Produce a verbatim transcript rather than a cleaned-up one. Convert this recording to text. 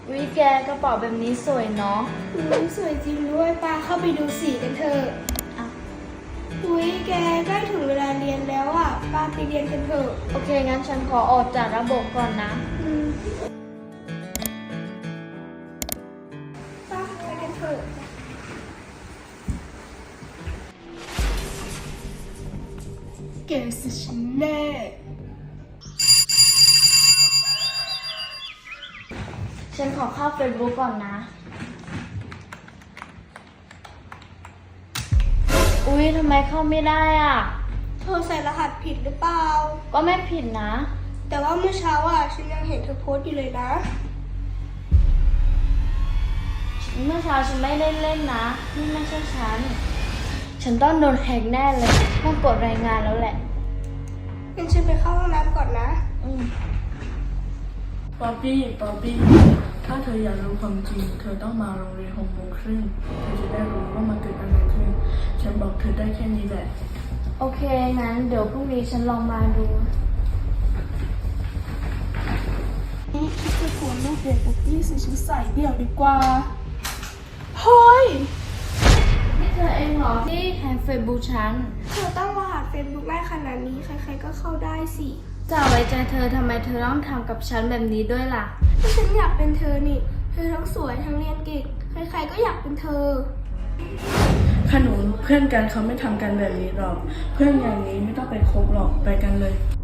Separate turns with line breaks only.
วิแกกระเป๋าแบบนี้สวยเนาะ
อืมสวยจริงด้วยป้าเข้าไปดูสีกันเถอะ
อ่ะ
อุ้ยแกใกล้ถึงเวลาเรียนแล้วอ่ะป้าไปเรียนกันเถอะ
โอเคงั้นฉันขอออกจากระบบก่อนนะ
อืมป้าไปกันเถอะแกสิฉันแน่
ฉันขอเข้าเฟซบุ๊กก่อนนะ อุ๊ยทำไมเข้าไม่ได้อ่ะ
เธอใส่รหัสผิดหรือเปล่า
ก็ไม่ผิดนะ
แต่ว่าเมื่อเช้าอ่ะฉันยังเห็นเธอโพสต์อยู่เลยนะ
เมื่อเช้าฉันไม่ได้เล่นนะ นี่ไม่ใช่ฉัน ฉันต้องโดนแฮกแน่เลย ต้องกดรายงานแล้วแหละ
งั้นฉันไปเข้าห้องน้ำก่อนนะ
อืม
ป๊อปปี้ป๊อปปี้ ถ้าเธออยากรู้ความจริง เธอต้องมาโรงเรียนหกโมงครึ่งเธอจะได้รู้ว่ามันเกิดอะไรขึ้น ฉันบอกเธอได้แค่นี้แหละ
โอเค งั้นเดี๋ยวพรุ่งนี้ฉันลองมาดู
นี่คิดจะกวนลูกเด็กปุ๊บปี้ซื้อชุดใส่เดี่ยวดีกว่า เฮ้ย
นี่เธอเองเหรอที่แฮกเฟซบุ๊กฉัน
เธอตั้งรหัสเฟซบุ๊กได้ขนาดนี้ใครๆก็เข้าได้สิ
จะไว้ใจเธอทำไมเธอต้องทำกับฉันแบบนี้ด้วยล่ะ
ถ้าฉันอยากเป็นเธอนี่ เธอทั้งสวยทั้งเรียนเก่ง ใครๆก็อยากเป็นเธอ
ขนุนเพื่อนกันเขาไม่ทำกันแบบนี้หรอก เพื่อนอย่างนี้ไม่ต้องไปคบหรอก ไปกันเลย